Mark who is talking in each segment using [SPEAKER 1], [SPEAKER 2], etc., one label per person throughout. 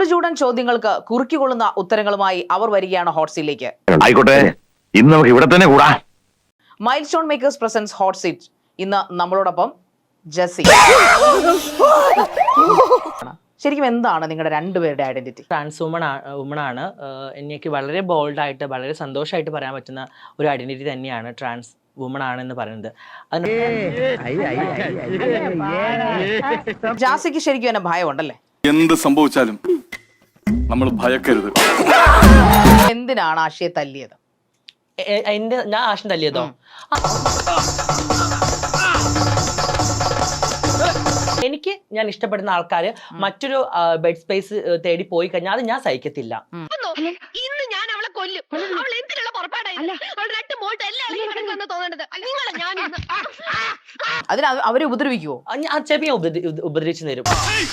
[SPEAKER 1] ചൂടുചൂടൻ ചോദ്യങ്ങൾക്ക് കുറുക്കിക്കൊള്ളുന്ന ഉത്തരങ്ങളുമായി അവർ വരികയാണ് ഹോട്ട് സീറ്റിലേക്ക്.
[SPEAKER 2] ആയിക്കോട്ടെ, ഇന്ന് നമുക്ക് ഇവിടെ തന്നെ കൂടാ.
[SPEAKER 1] Milestone makers presents hot seat. ഇന്ന് നമ്മളോടൊപ്പം ജസി. ശരിക്കും എന്താണ് നിങ്ങളുടെ രണ്ടുപേരുടെ ഐഡന്റിറ്റി?
[SPEAKER 3] ട്രാൻസ് വുമൺ ആണ്. എനിക്ക് വളരെ ബോൾഡായിട്ട് വളരെ സന്തോഷമായിട്ട് പറയാൻ പറ്റുന്ന ഒരു ഐഡന്റിറ്റി തന്നെയാണ് ട്രാൻസ് വുമൺ ആണെന്ന് പറയുന്നത്.
[SPEAKER 1] ജാസിക്ക് ശരിക്കും എന്നെ ഭയമുണ്ടല്ലേ?
[SPEAKER 4] എന്ത് സംഭവിച്ചാലും നമ്മൾ ഭയക്കരുത്.
[SPEAKER 1] എന്തിനാണ് ആശയെ തല്ലിയത്?
[SPEAKER 3] ഞാൻ ആശം തല്ലിയതോ? എനിക്ക് ഞാൻ ഇഷ്ടപ്പെടുന്ന ആൾക്കാര് മറ്റൊരു ബെഡ് സ്പേസ് തേടി പോയി കഴിഞ്ഞാൽ അത് ഞാൻ സഹിക്കത്തില്ല.
[SPEAKER 5] ഇന്ന് ഞാൻ അവളെ കൊല്ലും. അവൾ എന്തിനുള്ള പുറപ്പാടായി?
[SPEAKER 1] അതിന് അവരെ ഉപദ്രവിക്കുവോ?
[SPEAKER 3] ചെറിയ ഉപദ്രവിച്ചു തരും.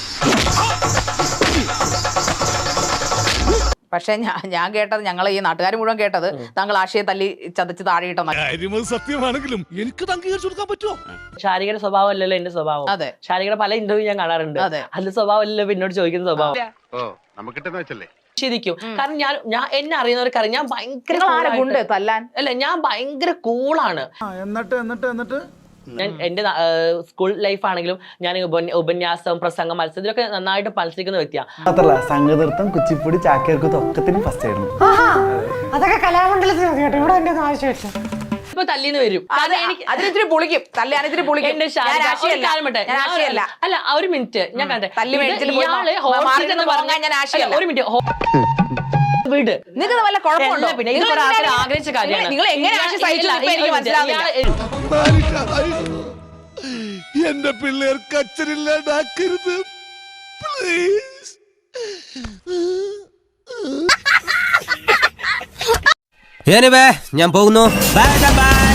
[SPEAKER 1] പക്ഷെ ഞാൻ കേട്ടത്, ഞങ്ങൾ ഈ നാട്ടുകാർ മുഴുവൻ കേട്ടത്, താങ്കൾ ആശയെ തല്ലി ചതച്ച് താഴെയിട്ടെന്ന.
[SPEAKER 6] സത്യമാണെങ്കിലും എനിക്ക് അംഗീകരിച്ചു കൊടുക്കാൻ പറ്റുമോ?
[SPEAKER 3] ശാരികയുടെ സ്വഭാവം അല്ലല്ലോ എന്റെ സ്വഭാവം.
[SPEAKER 1] അതെ,
[SPEAKER 3] ശാരികയുടെ പല ഇന്റർവ്യൂ ഞാൻ കാണാറുണ്ട്. അതിന്റെ സ്വഭാവം അല്ലല്ലോ എന്നോട് ചോദിക്കുന്ന സ്വഭാവം. ശരിക്കും കാരണം ഞാൻ എന്നെ അറിയുന്നവർക്കറിയാം ഞാൻ ഭയങ്കര
[SPEAKER 1] തല്ലാൻ
[SPEAKER 3] അല്ല, ഞാൻ ഭയങ്കര കൂളാണ്.
[SPEAKER 6] എന്നിട്ട്
[SPEAKER 3] ഞാൻ എന്റെ സ്കൂൾ ലൈഫ് ആണെങ്കിലും ഞാൻ ഉപന്യാസം, പ്രസംഗം, മത്സരം ഇതിലൊക്കെ നന്നായിട്ട് മത്സരിക്കുന്ന വ്യക്തിയാണ്.
[SPEAKER 7] മാത്രല്ല സംഗീതം, കുച്ചിപ്പുടി, ചാക്യാർകൂത്ത് ഒക്കത്തിനും ഫസ്റ്റ് ആയിരുന്നു.
[SPEAKER 8] അതൊക്കെ കലാമണ്ഡലത്തിൽ ഇവിടെ എന്റെ ആവശ്യമില്ല.
[SPEAKER 3] ഇപ്പൊ തല്ലിന്ന് വരും.
[SPEAKER 1] അതിനിത്തിരി പൊളിക്കും, തല്ലാനിത്തിരി പൊളിക്കും.
[SPEAKER 3] അല്ല, ഒരു മിനിറ്റ് ഞാൻ കണ്ടേ. ഒരു മിനിറ്റ് വീട്
[SPEAKER 1] നിങ്ങൾക്ക് വല്ല കുഴപ്പമുണ്ടോ?
[SPEAKER 3] പിന്നെ ഇത് കുറെ ആൾക്കാർ ആഗ്രഹിച്ച കാര്യമാണ്.
[SPEAKER 1] നിങ്ങൾ എങ്ങനെ
[SPEAKER 6] എന്റെ പിള്ളേർക്ക് അച്ഛനില്ലാണ്ടാക്കരുത് പ്ലീസ്.
[SPEAKER 9] ഞാൻ പോകുന്നു. Bye by.